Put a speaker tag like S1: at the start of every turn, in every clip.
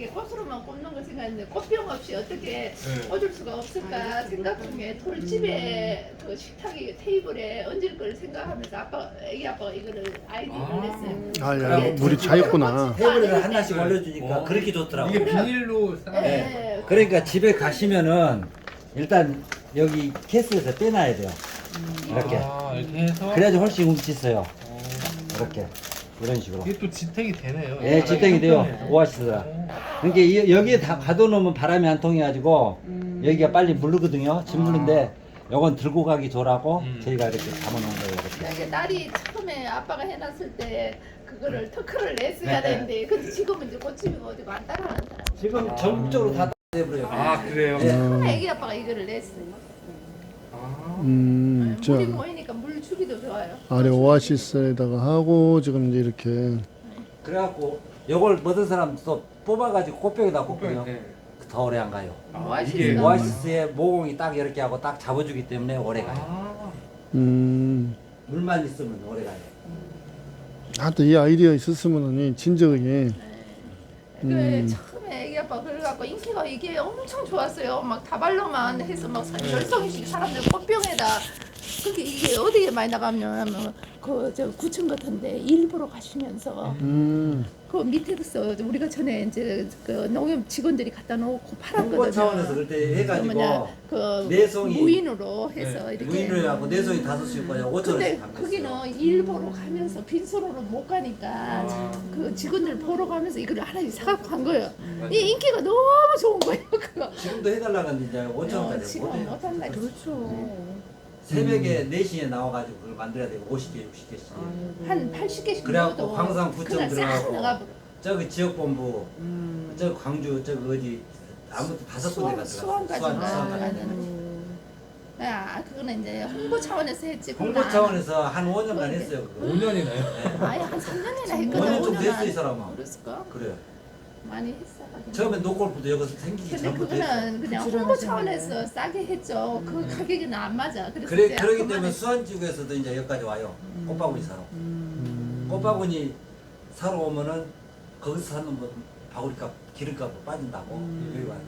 S1: 이게 꽃으로만 꽂는 거 생각했는데 꽃병 없이 어떻게 꽂을 수가 없을까 생각 중에 돌집에 그 식탁이 테이블에 얹을 걸 생각하면서 애기 아빠가 이거를 아이디어를 냈어요.
S2: 아야 물이 차있구나.
S3: 테이블에 하나씩 올려주니까 그렇게 좋더라고.
S4: 이게 비닐로
S1: 네.
S3: 그러니까 집에 가시면은 일단 여기 케이스에서 빼놔야 돼요. 이렇게.
S4: 이렇게 해서
S3: 그래야지 훨씬 운치 있어요. 이렇게. 이런 식으로.
S4: 이게 또 지탱이 되네요.
S3: 예, 지탱이 돼요. 오아시스가. 그러니까 여기에 다 가둬놓으면 바람이 안 통해가지고 여기가 빨리 물르거든요. 진 무는데 요건 들고 가기 좋라고 저희가 이렇게 담아놓은 거예요. 이렇게.
S1: 이게 딸이 처음에 아빠가 해놨을 때 그거를 터크를 냈어야
S3: 네.
S1: 되는데 근데 지금은 이제 꽃집이 어디고 안 따라하는 사람.
S3: 지금 전국적으로 다 돼버려요.
S4: 아 그래요?
S3: 예.
S1: 처음에 애기 아빠가 이거를 냈어요.
S2: 저
S1: 물이 모이니까 물 주기도 좋아요.
S2: 아래 오아시스에다가 하고 지금 이제 이렇게
S3: 그래갖고 요걸 모든 사람 또 뽑아가지고 꽃병에다 꽂거든요.
S4: 네.
S3: 더 오래 안 가요.
S4: 이게
S3: 오아시스의 모공이 딱 이렇게 하고 딱 잡아주기 때문에 오래 가요. 물만 있으면 오래 가요.
S2: 하여튼 이 아이디어 있었으면은 진적이
S1: 그 처음에 애기 아빠 그래갖고 인기가 이게 엄청 좋았어요. 막 다발로만 해서 막 10송이씩 사람들 꽃병에다. 그게 이게 어디에 많이 나가면 그저 구청 같은데 일부러 가시면서 그 밑에서 우리가 전에 이제 그 농협 직원들이 갖다 놓고 팔았거든요.
S3: 홍보 차원에서 그때 해가지고
S1: 그
S3: 내송이
S1: 무인으로 해서
S4: 네.
S1: 이렇게.
S3: 무인으로 하고 내송이 5씩 거냐 5천
S1: 근데
S3: 원씩 담겼어요.
S1: 거기는 일보러 가면서 빈손으로 못 가니까 그 직원들 보러 가면서 이걸 하나씩 사갖고 간 거예요. 이 인기가 너무 좋은 거예요. 그거.
S3: 지금도 해달라고 하는데 이제 5천 원짜리
S1: 지금
S3: 못해요.
S1: 못한다. 그렇죠.
S3: 새벽에 4시에 나와가지고 그걸 만들어야 되고 50개 60개씩
S1: 한 80개씩
S3: 그래갖고
S1: 넣어도
S3: 광산구청
S1: 그날 싹
S3: 들어가고
S1: 나가버려.
S3: 저기 지역본부 저기 광주 저기 어디 아무튼 5군데 갔다
S1: 수원까지
S3: 수원
S1: 가는. 야, 그거는 이제 홍보 차원에서 했지.
S3: 홍보 차원에서 한 5년간 했어요 그거.
S4: 5년이나요?
S1: 아예 한 3년이나 했거든.
S3: 5년 좀
S1: 5년
S3: 됐어
S1: 안
S3: 이 사람아.
S1: 그랬을까?
S3: 그래요.
S1: 많이 했어.
S3: 처음엔 노골프도 여기서 생기기
S1: 근데
S3: 전부터 했어.
S1: 그거는 그냥 홍보 차원에서 싸게 했죠. 그 가격은 안 맞아. 그래서
S3: 그래
S1: 이제
S3: 그러기
S1: 그만했어.
S3: 때문에 수안지구에서도 이제 여기까지 와요. 꽃바구니 사러. 꽃바구니 사러 오면은 거기서 사는 뭐 바구니값 기름값 빠진다고 여기 와요.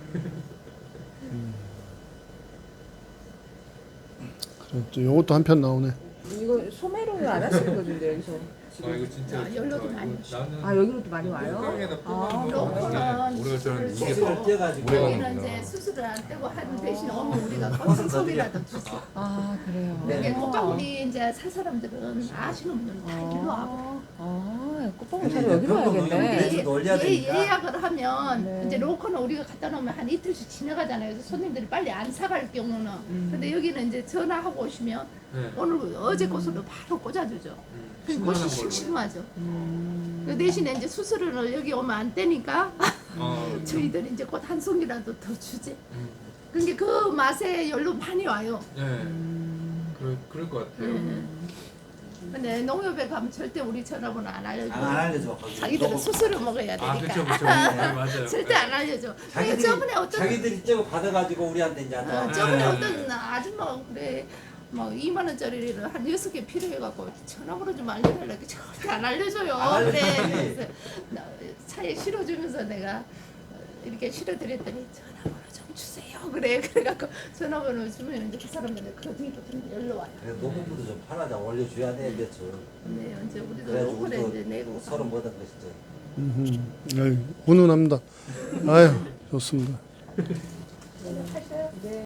S2: 그래, 또 요것도 한 편 나오네.
S5: 이거 소매로는 안 하시는 거죠, 근데 여기서?
S4: 이거 진짜
S1: 아, 연락도 많이
S4: 나는
S5: 아, 여기로도 많이 와요?
S4: 깡에다
S1: 로커는
S4: 뽑아놓은 오래 줄 이게
S3: 수술을 떼가지고
S1: 여기는 이제 수술을 안 떼고 한 대신 오면 우리가 꽃송이라도 주죠.
S5: 아, 그래요?
S1: 이게 꽃바구니 이제 살 사람들은 아시는 분들은 다 일로 와고
S5: 꽃봉을 사러 여기로
S3: 병동
S5: 와야겠네.
S3: 여기서 올려야 되니까.
S1: 예약을 하면
S5: 네.
S1: 이제 로커는 우리가 갖다 놓으면 한 이틀씩 지나가잖아요. 그래서 손님들이 빨리 안 사갈 경우는 근데 여기는 이제 전화하고 오시면
S4: 네.
S1: 오늘 어제 꽃으로 바로 꽂아주죠. 그 꽃이
S4: 신선한 걸로.
S1: 싱싱하죠. 그 대신에 이제 수술을 여기 오면 안 떼니까 저희들이 이제 꽃 한 송이라도 더 주지. 그게 그 맛에 열로 많이 와요.
S4: 네. 그럴 것 같아요.
S1: 근데 농협에 가면 절대 우리 전화번호 안 알려줘.
S3: 안 알려줘. 거기.
S1: 자기들은
S3: 너무-
S1: 수술을 먹어야 되니까.
S4: 아 그렇죠 그렇죠. 네, 맞아요.
S1: 절대 안 알려줘. 근데 저번에 어떤
S3: 자기들이 저거 받아가지고 우리한테 이제
S1: 저번에
S4: 네.
S1: 어떤 아줌마가 그래 막 2만 원짜리를 한 6개 필요해갖고 전화번호 좀 알려달라고 절대 안 알려줘요.
S3: 안 알려주지.
S1: 그래. 그래서 나 차에 실어주면서 내가 이렇게 실어드렸더니 전화번호 좀 주세요. 그래. 그래갖고 전화번호 주면 이제 그 사람들은 그 뒤부터 연락 와요.
S3: 그래서 노후부도 좀 팔아자 올려줘야 돼 몇 주.
S1: 네, 언제 우리도
S3: 그래야지
S1: 로컬에
S3: 우리도
S1: 이제 내고
S3: 서로 뭐든 것이죠.
S2: 아유, 훈훈합니다. 아유 좋습니다.
S1: 하셔요.